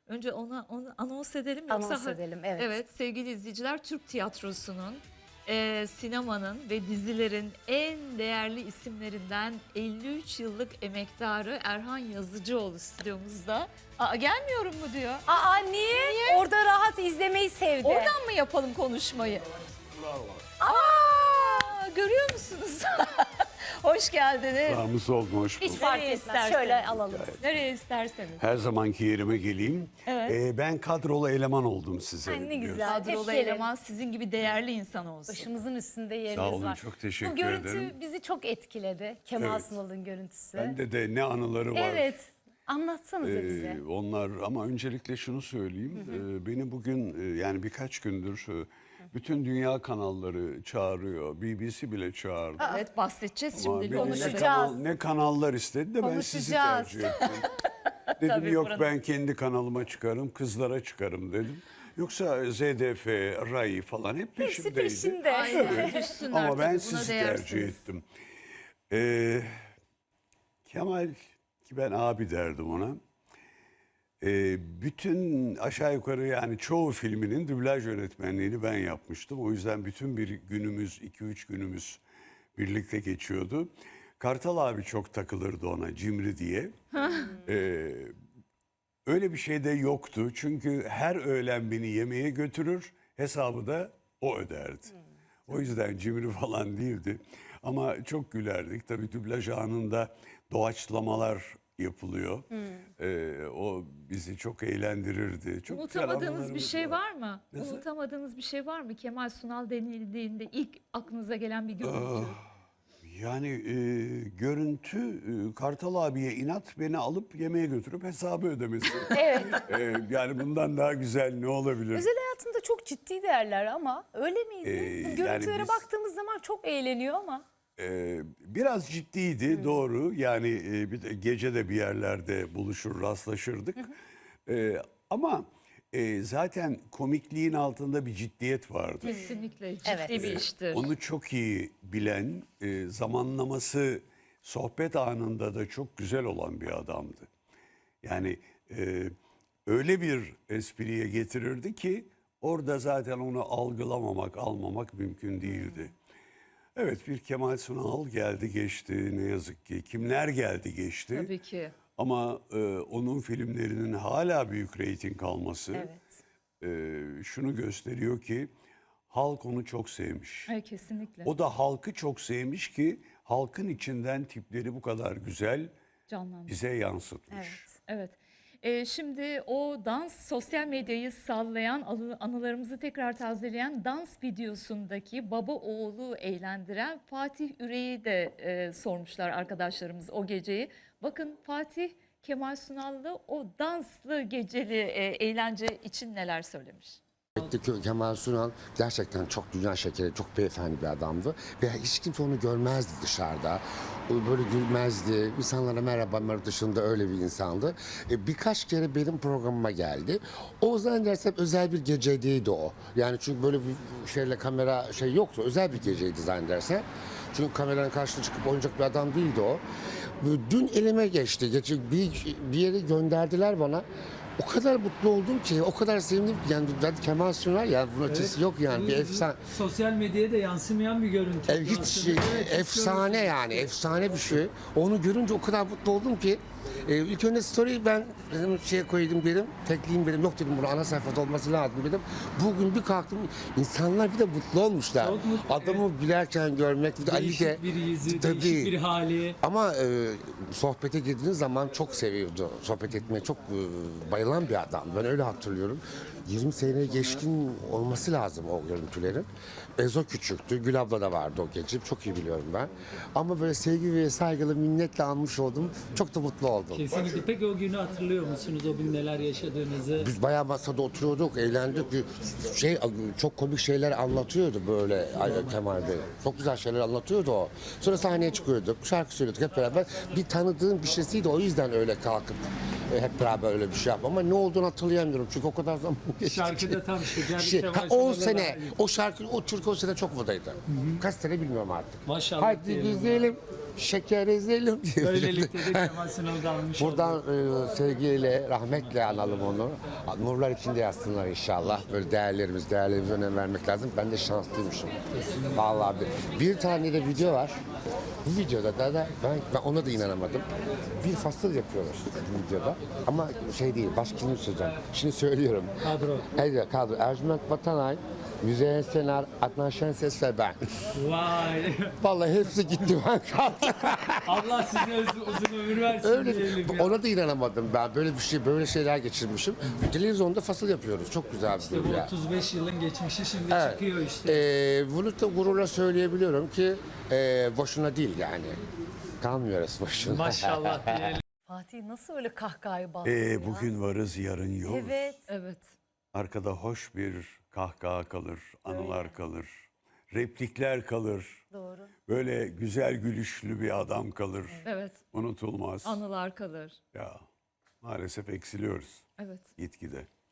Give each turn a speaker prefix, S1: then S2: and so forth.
S1: Önce onu anons edelim.
S2: Anons edelim, evet.
S1: Evet sevgili izleyiciler, Türk tiyatrosunun, sinemanın ve dizilerin en değerli isimlerinden 53 yıllık emektarı Erhan Yazıcıoğlu stüdyomuzda. Aa, gelmiyorum mu diyor.
S2: Aa niye? Orada rahat izlemeyi sevdi.
S1: Oradan mı yapalım konuşmayı? Aa, görüyor musunuz? Hoş geldiniz.
S3: Namus oldum, hoş
S2: Hiç
S3: bulduk.
S2: fark
S1: Nereye
S2: etmez.
S1: isterseniz.
S2: Şöyle alalım.
S1: Nereye isterseniz.
S3: Her zamanki yerime geleyim.
S1: Evet.
S3: Ben kadrolu eleman oldum size.
S2: Ay, ne
S3: biliyorsunuz.
S2: güzel.
S1: Kadrolu
S2: Hep gelin.
S1: eleman sizin gibi değerli insan olsun.
S2: Başımızın üstünde yeriniz
S3: Sağ olun,
S2: var.
S3: çok teşekkür
S2: Bu görüntü
S3: ederim.
S2: bizi çok etkiledi. Kemal
S3: Evet.
S2: Sunal'ın görüntüsü.
S3: Bende de ne anıları var.
S2: Evet. Anlatsanıza bize.
S3: Onlar ama öncelikle şunu söyleyeyim. Beni bugün yani birkaç gündür bütün dünya kanalları çağırıyor. BBC bile çağırdı.
S1: Evet bahsedeceğiz
S3: Ama
S1: şimdi.
S3: beni
S2: konuşacağız.
S3: ne kanallar istedi de ben sizi
S2: Konuşacağız.
S3: tercih ettim. Dedim
S1: Tabii,
S3: yok
S1: buranın-
S3: ben kendi kanalıma çıkarım, kızlara çıkarım dedim. Yoksa ZDF, RAI falan hep
S2: Hepsi
S3: peşimdeydi.
S2: peşinde.
S1: Aynen. Düşsünler
S3: Ama ben
S1: tabii, buna
S3: sizi
S1: değersiniz.
S3: tercih ettim. Kemal, ki ben abi derdim ona. Bütün aşağı yukarı yani çoğu filminin dublaj yönetmenliğini ben yapmıştım. O yüzden bütün bir günümüz, 2-3 günümüz birlikte geçiyordu. Kartal abi çok takılırdı ona, Cimri diye. Öyle bir şey de yoktu. Çünkü her öğlen beni yemeğe götürür, hesabı da o öderdi. O yüzden cimri falan değildi. Ama çok gülerdik. Tabii dublaj anında doğaçlamalar yapılıyor. O bizi çok eğlendirirdi. Çok güzel
S1: Unutamadığınız bir
S3: anılarımız
S1: şey var mı?
S3: Nasıl?
S1: Unutamadığınız bir şey var mı? Kemal Sunal denildiğinde ilk aklınıza gelen bir görüntü.
S3: Yani görüntü Kartal abiye inat beni alıp yemeğe götürüp hesabı ödemesi.
S2: Evet.
S3: Yani bundan daha güzel ne olabilir?
S2: Özel hayatında çok ciddi değerler ama öyle miydi? Bu
S3: yani
S2: görüntülere
S3: biz-
S2: baktığımız zaman çok eğleniyor ama.
S3: Biraz ciddiydi doğru. Yani bir de gece de bir yerlerde buluşur rastlaşırdık. Ama zaten komikliğin altında bir ciddiyet vardı.
S1: Kesinlikle ciddi
S2: Evet.
S1: bir iştir.
S3: Onu çok iyi bilen, zamanlaması sohbet anında da çok güzel olan bir adamdı. Yani öyle bir espriye getirirdi ki orada zaten onu algılamamak, almamak mümkün değildi. Evet, bir Kemal Sunal geldi geçti ne yazık ki. Kimler geldi geçti.
S1: Tabii ki.
S3: Ama onun filmlerinin hala büyük reyting alması şunu gösteriyor ki halk onu çok sevmiş.
S1: Evet, kesinlikle.
S3: O da halkı çok sevmiş ki halkın içinden tipleri bu kadar güzel
S1: Canlandı.
S3: bize yansıtmış.
S2: Evet.
S1: Evet. Şimdi o dans, sosyal medyayı sallayan, anılarımızı tekrar tazeleyen dans videosundaki baba oğlu eğlendiren Fatih Üreyi de sormuşlar arkadaşlarımız o geceyi. Bakın Fatih Kemal Sunal'lı o danslı geceli eğlence için neler söylemiş.
S4: Kemal Sunal gerçekten çok dünya şekeri, çok beyefendi bir adamdı. Ve hiç kimse onu görmezdi dışarıda. Böyle gülmezdi. İnsanlara merhaba dışında öyle bir insandı. Birkaç kere benim programıma geldi. O zannedersem özel bir geceydi o. Yani çünkü böyle bir şeyle kamera yoktu. Özel bir geceydi zannedersem. Çünkü kameranın karşısına çıkıp oynayacak bir adam değildi o. Dün elime geçti. Bir yere gönderdiler bana. O kadar mutlu oldum ki, o kadar sevindim ki. Yani Kemal Sunal ya, bunun ötesi yok yani. Bir efsane.
S5: Sosyal medyaya da yansımayan bir görüntü.
S4: Hiç
S5: Aslında. Evet, hiç
S4: efsane
S5: görmedim.
S4: yani, efsane bir şey. Onu görünce o kadar mutlu oldum ki. İlk önce story'i ben dedim koydum dedim, tekleyeyim dedim, yok dedim bunu ana sayfada olması lazım dedim. Bugün bir kalktım, insanlar bir de mutlu olmuşlar.
S5: Çok mutlu,
S4: Adamı gülerken görmek, bir de Ali
S5: Değişik
S4: de.
S5: bir yüzü,
S4: Tabii.
S5: değişik bir hali.
S4: Ama sohbete girdiğiniz zaman çok seviyordu. Sohbet etmeye çok bayılan bir adam. Ben öyle hatırlıyorum. 20 seneye geçkin olması lazım o görüntülerin. Ezo küçüktü. Gül abla da vardı o gece. Çok iyi biliyorum ben. Ama böyle sevgi ve saygılı minnetle almış oldum. Çok da mutlu oldum.
S5: Kesinlikle. Peki o günü hatırlıyor musunuz? O gün neler yaşadığınızı?
S4: Biz bayağı masada oturuyorduk, eğlendik. Çok komik şeyler anlatıyordu böyle Kemal Bey. Çok güzel şeyler anlatıyordu o. Sonra sahneye çıkıyorduk, şarkı söylüyorduk hep beraber. Bir tanıdığım bir şeysiydi, o yüzden öyle kalkıp hep beraber öyle bir şey yaptım. Ama ne olduğunu hatırlayamıyorum çünkü o kadar zaman geçti.
S5: Şarkıda tam Kemal
S4: O
S5: Sunal'la
S4: sene,
S5: da-
S4: o şarkı, o türkü o sene çok modaydı. Kaç sene bilmiyorum artık.
S5: Maşallah
S4: Haydi
S5: diyelim.
S4: izleyelim. şeker ezelim diye.
S5: Böylelikle de Kemal Sunal'ı almış olduk.
S4: Buradan sevgiyle, rahmetle analım onu. Nurlar içinde yatsınlar inşallah. Böyle değerlerimize önem vermek lazım. Ben de şanslıymışım. Vallahi bir tane de video var. Bu videoda da ben ona da inanamadım. Bir fasıl yapıyorlar bu videoda. Ama şey değil, başkini söyleyeceğim. Şimdi söylüyorum.
S5: Kadro.
S4: Evet, kadro. Ercüment Vatanay, Müzeyyen Senar, Adnan Şenses ve ben.
S5: Vay.
S4: Vallahi hepsi gitti, ben kaldım.
S5: Allah size uzun ömür versin
S4: Öyle,
S5: diyelim ya.
S4: ona da inanamadım ben. Böyle şeyler geçirmişim. Televizyonda fasıl yapıyoruz. Çok güzel bir
S5: İşte
S4: durum
S5: bu
S4: ya.
S5: 35 yılın geçmişi şimdi
S4: Evet.
S5: çıkıyor işte.
S4: Bunu da gururla söyleyebiliyorum ki boşuna değil yani. Kalmıyoruz boşuna.
S5: Maşallah diyelim.
S2: Fatih nasıl öyle kahkahayı bağlıyor ya?
S3: Bugün varız, yarın yokuz.
S2: Evet.
S1: Evet.
S3: Arkada hoş bir kahkaha kalır, anılar kalır, replikler kalır.
S2: Doğru.
S3: Böyle güzel gülüşlü bir adam kalır.
S1: Evet.
S3: Unutulmaz.
S1: Anılar kalır.
S3: Ya maalesef eksiliyoruz
S1: Evet.
S3: gitgide.